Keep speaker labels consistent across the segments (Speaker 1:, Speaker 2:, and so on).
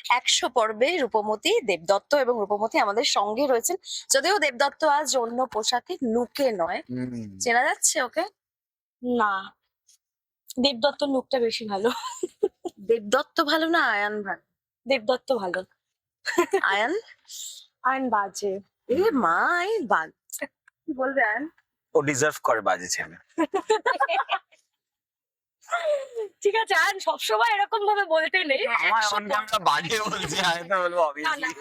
Speaker 1: 100 পর্বে রূপমতি, দেবদত্ত এবং রূপমতি আমাদের সঙ্গে রয়েছেন। যদিও দেবদত্ত আজ অন্য পোশাকে, লুকে নয়। চেনা যাচ্ছে ওকে?
Speaker 2: না, দেবদত্ত লুকটা বেশি ভালো।
Speaker 1: দেবদত্ত ভালো না আয়ান ভালো?
Speaker 2: দেবদত্ত ভালো।
Speaker 1: আয়ান?
Speaker 2: আয়ন বাজে।
Speaker 1: এ মা, এই বাদ কি বলবে আয়ান?
Speaker 3: ও ডিজার্ভ করে বাজে ছেলে।
Speaker 2: ঠিক আছে, আয়ন সবসময় এরকম ভাবে বলতে নেই।
Speaker 3: আমার অন ক্যামেরা বাজে বলছে, আমি তো বলবো অবভিয়াসলি।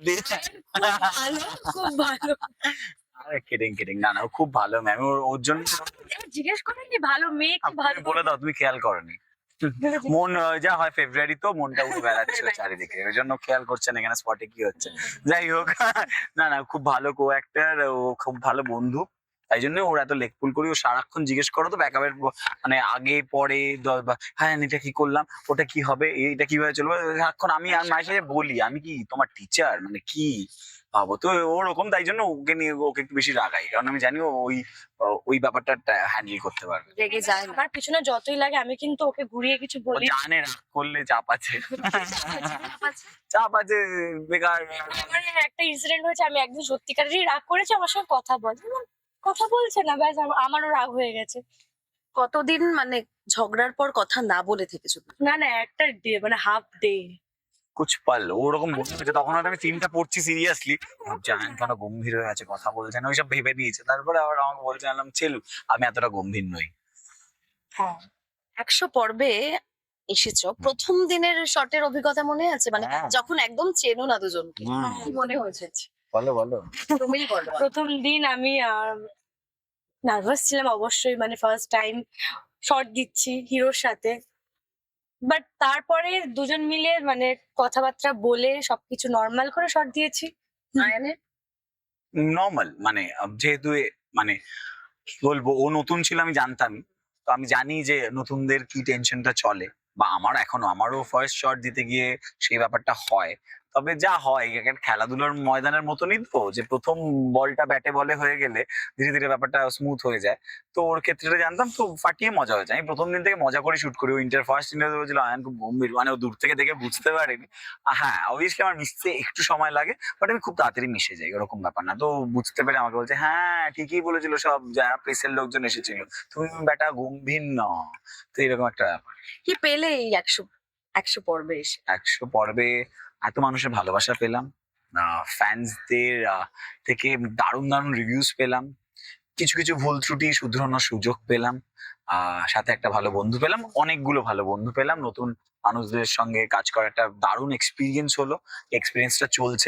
Speaker 2: ভালো, খুব ভালো।
Speaker 3: আরে কিডিং কিডিং, না না ও খুব ভালো ম্যাম, ওর জন্য
Speaker 2: জিজ্ঞেস করেননি ভালো মেয়ে কি ভালো?
Speaker 3: বলে দাও, তুমি খেয়াল করনি? মন যা হয় ফেব্রুয়ারি তো মনটা উঠে বেড়াচ্ছে চারিদিকে, ওই জন্য খেয়াল করছেন এখানে স্পটে কি হচ্ছে। যাই হোক, না না খুব ভালো কো অ্যাক্টর, ও খুব ভালো বন্ধু। তাই জন্য ওর এত লেকপুল করি, ও সারাক্ষণ জিজ্ঞেস করো তো ব্যাকআপের মানে আগে পরে হ্যাঁ এটা কি করলাম, ওটা কি হবে, এইটা কিভাবে চলবে, সারাক্ষণ আমি আর মায়ের সাথে বলি আমি কি তোমার টিচার মানে কি ভাবো তো ওরকম। তাই জন্য ওকে নিয়ে ওকে একটু বেশি রাগাই, কারণ আমি জানি ও ওই ব্যাপারটা হ্যান্ডেল করতে পারবে।
Speaker 1: রেগে যায় না?
Speaker 2: আমার পিছনে যতই লাগে আমি কিন্তু ওকে ঘুরিয়ে কিছু
Speaker 3: ও
Speaker 2: বলি।
Speaker 3: জানে রাগ করলে চাপ আছে, চাপ আছে বেকার।
Speaker 2: আমার একটা ইনসিডেন্ট হয়েছে, আমি একদিন সত্যিকারেরই রাগ করেছি, আমার সঙ্গে কথা বল, কথা বলছে না, ব্যাস আমারও রাগ হয়ে গেছে।
Speaker 1: কতদিন মানে ঝগড়ার পর কথা না বলে থেকেছো?
Speaker 2: না না, একটা ডে মানে হাফ ডে।
Speaker 3: কুছ পাল ওরকম মনে হচ্ছে, তখন হয়তো আমি সিনটা পড়ছি সিরিয়াসলি, জানেন কেন গম্ভীর হয়ে আছে কথা বলছে না, ওইসব ভেবে নিয়েছে। তারপরে আবার আমাকে বলছে, আনলাম ছিল আমি এতটা গম্ভীর নই।
Speaker 2: হ্যাঁ,
Speaker 1: 100 পর্বে এসেছো, প্রথম দিনের শটের অভিজ্ঞতা মনে আছে? মানে
Speaker 3: হ্যাঁ।
Speaker 1: যখন একদম চেনো না দুজনকে,
Speaker 3: হুম।
Speaker 1: কি মনে হয়েছে?
Speaker 3: বলো বলো।
Speaker 1: তুমিই বলো।
Speaker 2: প্রথম দিন আমি নার্ভাস ছিলাম অবশ্যই, মানে ফার্স্ট টাইম শট দিচ্ছি হিরোর সাথে। বাট তারপরে দুজন মিলে মানে কথাবার্তা বলে সবকিছু নর্মাল করে শট দিয়েছি।
Speaker 1: আয়ানের?
Speaker 3: নর্মাল মানে যেহেতু মানে কি বলবো, ও নতুন ছিল আমি জানতাম, তো আমি জানি যে নতুনদের কি টেনশনটা চলে, বা আমারও ফার্স্ট শট দিতে গিয়ে সেই ব্যাপারটা হয়। তবে যা হয় একটা খেলাধুলার ময়দানের মতনই তো, যে প্রথম বলটা ব্যাটে বলে হয়ে গেলে ধীরে ধীরে ব্যাপারটা স্মুথ হয়ে যায়। তো ওর ক্ষেত্রে জানতাম, তো ফাটিয়ে মজা হয়েছে। আমি প্রথম দিন থেকে মজা করে শুট করি। ও ফার্স্ট ইন্টারভিউ বলছিল আয়ান খুব গম্ভীর, মানে ও দূর থেকে দেখে বুঝতে পারেনি। হ্যাঁ অবভিয়াসলি আমার মিশতে একটু সময় লাগে, বাট আমি খুব তাড়াতাড়ি মিশে যাই, ওরকম ব্যাপার না। তো বুঝতে পেরে আমাকে বলছে হ্যাঁ ঠিকই বলেছিল সব যারা প্রেসের লোকজন এসেছিল, তুমি বেটা গম্ভীর ন। তো এরকম একটা ব্যাপার।
Speaker 1: কি পেলে এই 100 পর্বে এসে?
Speaker 3: 100 পর্বে এত মানুষের ভালোবাসা পেলাম, ফ্যান্সদের থেকে দারুণ দারুণ রিভিউজ পেলাম, কিছু কিছু ভুল ত্রুটি শুধরানোর সুযোগ পেলাম, সাথে একটা ভালো বন্ধু পেলাম, অনেকগুলো ভালো বন্ধু পেলাম, নতুন মানুষদের সঙ্গে কাজ করার একটা দারুণ এক্সপিরিয়েন্স হলো। এক্সপিরিয়েন্সটা চলছে।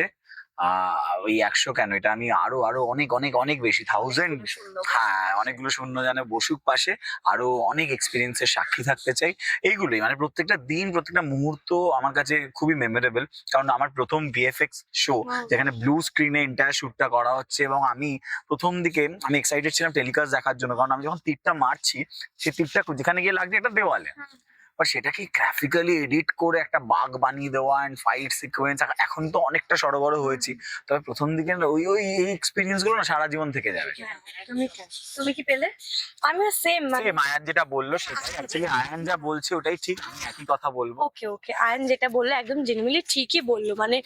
Speaker 3: ওই 100 কেন, এটা আমি আরো আরো অনেক অনেক অনেক বেশি থাউজেন্ড, হ্যাঁ অনেকগুলো শূন্য জানে বসুক পাশে, আরো অনেক এক্সপিরিয়েন্সের সাক্ষী থাকতে চাই। এইগুলোই মানে প্রত্যেকটা দিন প্রত্যেকটা মুহূর্ত আমার কাছে খুবই মেমোরেবল। কারণ আমার প্রথম ভিএফএক্স শো, যেখানে ব্লু স্ক্রিনে এন্টায়ার শুটটা করা হচ্ছে, এবং আমি প্রথম দিকে আমি এক্সাইটেড ছিলাম টেলিকাস্ট দেখার জন্য, কারণ আমি যখন তীরটা মারছি সেই তীরটা যেখানে গিয়ে লাগছে একটা দেওয়ালে, আর সেটাকে গ্রাফিক্যালি এডিট করে একটা বাগ বানিয়ে দেওয়া এন্ড ফাইট সিকোয়েন্স। এখন তো অনেকটা সড়বড় হয়েছি, তবে প্রথম দিকে ওই ওই এক্সপিরিয়েন্স গুলো না সারা জীবন থেকে যাবে।
Speaker 1: তুমি কি পেলে?
Speaker 2: আমিও সেম মানে
Speaker 3: সেম আয়ান যেটা বললো সেটাই, অ্যাকচুয়ালি আয়ান যা বলছে ওটাই ঠিক, আমি একই কথা বলবো।
Speaker 2: ওকে ওকে, আয়ন যেটা বললো একদম জেনুইনলি ঠিকই বললো। মানে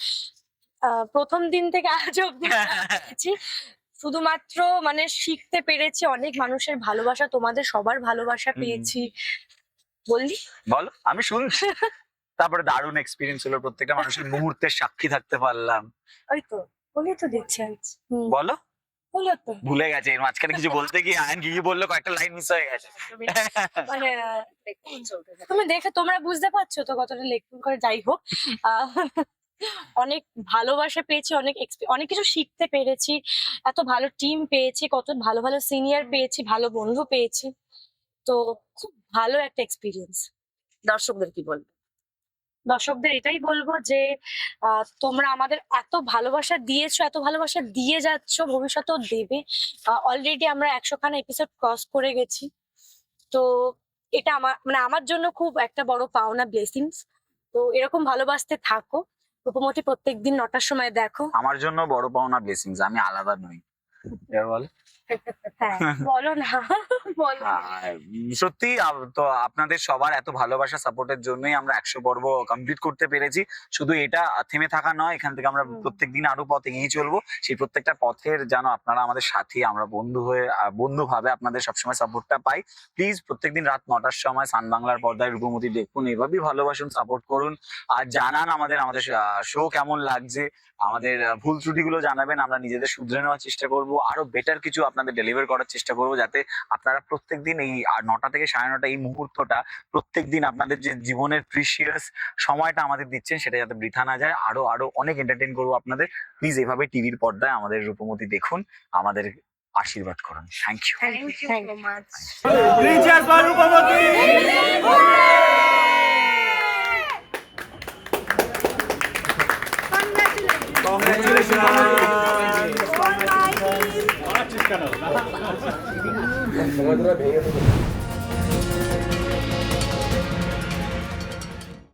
Speaker 2: প্রথম দিন থেকে আজ অব্দি পেয়েছি, শুধুমাত্র মানে শিখতে পেরেছি, অনেক মানুষের ভালোবাসা, তোমাদের সবার ভালোবাসা পেয়েছি। বললি
Speaker 3: বলো, আমি শুনছি। তারপরে দারুণ এক্সপিরিয়েন্স হলো, প্রত্যেকটা মানুষের মুহূর্তের সাক্ষী থাকতে পারলাম।
Speaker 2: ওই তো বলি তো দিচ্ছে।
Speaker 3: বলো,
Speaker 2: বললো তো
Speaker 3: ভুলে গেছে এর মাঝখানে কিছু বলতে গিয়ে আয়ন কি কি বললো, কয়েকটা লাইন মিস হয়ে গেছে।
Speaker 2: মানে তুমি দেখে তোমরা বুঝতে পারছো তো কতটা লেখন করে। যাই হোক, অনেক ভালোবাসা পেয়েছি, অনেক কিছু শিখতে পেরেছি, এত ভালো টিম পেয়েছি, কত ভালো ভালো সিনিয়র পেয়েছি, ভালো বন্ধু পেয়েছি। তো খুব ভালো একটা এক্সপিরিয়েন্স।
Speaker 1: দর্শকদের কি বলবে?
Speaker 2: দর্শকদের এটাই বলবো যে তোমরা আমাদের এত ভালোবাসা দিয়েছো, এত ভালোবাসা দিয়ে যাচ্ছ, ভবিষ্যতেও দেবে। অলরেডি আমরা 100খানা এপিসোড ক্রস করে গেছি। তো এটা আমার জন্য খুব একটা বড় পাওনা, ব্লেসিংস। তো এরকম ভালোবাসতে থাকো। রূপমতি প্রত্যেকদিন 9টার সময় দেখো।
Speaker 3: আমার জন্য বড় পাওনা ব্লেসিংস, আমি আলাদা নই। এবার বলো।
Speaker 2: হ্যাঁ বলো না বলো না।
Speaker 3: আর সত্যি তো আপনাদের সবার এত ভালোবাসা সাপোর্টের জন্যই আমরা 100 পর্ব কমপ্লিট করতে পেরেছি। শুধু এটা থেমে থাকা নয়, এখান থেকে আমরা প্রত্যেকদিন আরো পথ এগিয়ে চলবো। সেই প্রত্যেকটা পথের যেন আপনারা আমাদের সাথী, আমরা বন্ধু হয়ে বন্ধু ভাবে আপনাদের সবসময় সাপোর্টটা পাই। প্লিজ প্রত্যেকদিন রাত 9টার সময় সান বাংলার পর্দায় রূপমতি দেখুন, এভাবেই ভালোবাসুন, সাপোর্ট করুন, আর জানান আমাদের শো কেমন লাগছে। আমাদের ভুল ত্রুটিগুলো জানাবেন, আমরা নিজেদের শুধরে নেওয়ার চেষ্টা করব, আরো বেটার কিছু আপনাদের ডেলিভার করার চেষ্টা করব, যাতে আপনারা প্রত্যেকদিন এই 9টা থেকে 9:30 এই মুহূর্তটা প্রত্যেকদিন আপনাদের যে জীবনের প্রিসিয়াস সময়টা আমাদের দিচ্ছেন সেটা যাতে বৃথা না যায়। আরো আরো অনেক এন্টারটেইন করবো আপনাদের। প্লিজ এভাবে টিভির পর্দায় আমাদের রূপমতি দেখুন, আমাদের আশীর্বাদ করুন। Thank you.
Speaker 1: Thank you so much.
Speaker 4: Congratulations.